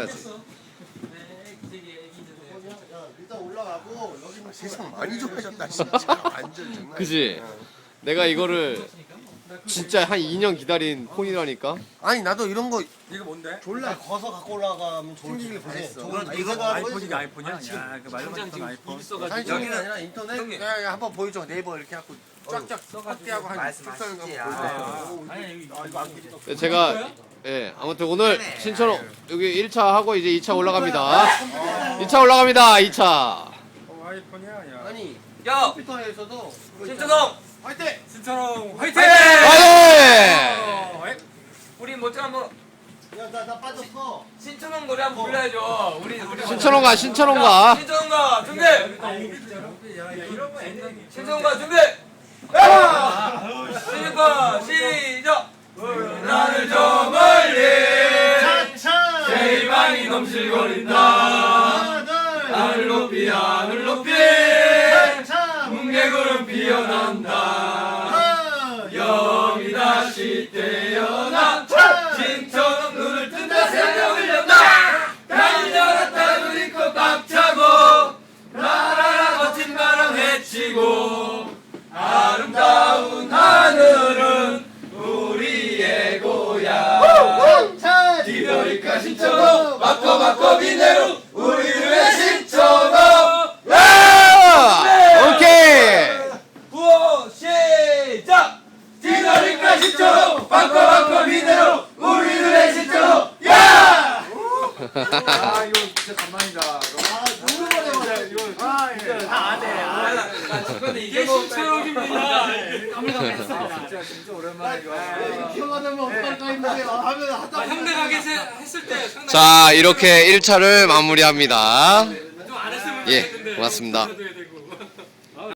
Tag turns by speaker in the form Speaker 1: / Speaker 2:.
Speaker 1: 해야지.
Speaker 2: 일단 올라가고 여기
Speaker 3: 세상 많이 좋아졌다 진짜. 완전 정말.
Speaker 1: 그지? 내가 이거를 진짜 한 2년 기다린 폰이라니까.
Speaker 3: 아니 나도 이런 거
Speaker 4: 이거 뭔데?
Speaker 2: 졸라 거서 갖고 올라가면 좋을
Speaker 3: 생기길
Speaker 2: 텐데.
Speaker 3: 바랬어.
Speaker 2: 저건
Speaker 4: 이거
Speaker 2: 아이폰이
Speaker 4: 아이폰이가 아이폰이야? 야, 그 말로
Speaker 5: 당장
Speaker 4: 했던
Speaker 5: 지금
Speaker 4: 아이폰.
Speaker 5: 입 써가지고
Speaker 3: 사진이
Speaker 4: 여기는
Speaker 3: 아니라 인터넷.
Speaker 4: 형님.
Speaker 3: 야, 한번 보여줘. 네이버 이렇게 하고 쫙쫙 확대하고 한
Speaker 6: 말씀하시지.
Speaker 3: 한번
Speaker 4: 아,
Speaker 3: 보여줘.
Speaker 4: 아니 이거
Speaker 1: 네, 제가 아무튼 오늘 신촌 여기 1차 하고 이제 2차 올라갑니다. 2차 올라갑니다. 2차.
Speaker 4: 아이폰이야. 야.
Speaker 3: 아니
Speaker 5: 야
Speaker 3: 컴퓨터에서도
Speaker 5: 신천홍
Speaker 3: 화이팅!
Speaker 4: 신천홍 화이팅!
Speaker 1: 화이팅!
Speaker 5: 우리 뭐좀 한번
Speaker 2: 야나 빠졌어.
Speaker 5: 신천홍 노래 한번 불러야죠. 우리
Speaker 1: 신천홍가 신천홍가.
Speaker 5: 신천홍가 준비. 신천홍가 준비. 시작 시작. 나를 저 멀리
Speaker 2: 차차.
Speaker 5: 제일 많이 넘실거린다. 하늘 높이 하늘 높이
Speaker 2: 차.
Speaker 5: 뭉게구름 피어난다. 여기 다시 태어난 신천홍 눈을 뜬다 새벽을 연다. 달려갔다 눈이 꽉 차고 라라라 멋진 바람 헤치고 아름다운 하늘은 우리의 고향.
Speaker 2: 차.
Speaker 5: 디더리카 신천홍 바꿔 비내로 우리의 신천홍.
Speaker 1: 오케이.
Speaker 5: 구호 시작. 디더리카 신천홍 바꿔 비내로 우리들의 신천홍. 야!
Speaker 4: 아 이거 진짜 간만이다.
Speaker 5: 이게 신천홍입니다.
Speaker 4: 진짜 오랜만에 이거.
Speaker 2: 기억하자면 어떡할까 했는데 하면 하다.
Speaker 5: 형들하게 했을 때 상당히
Speaker 1: 자 이렇게 1차를 마무리합니다.
Speaker 5: 좀안 했으면
Speaker 1: 예,
Speaker 5: 좋겠는데
Speaker 1: 고맙습니다.
Speaker 5: 그래도 해야 되고.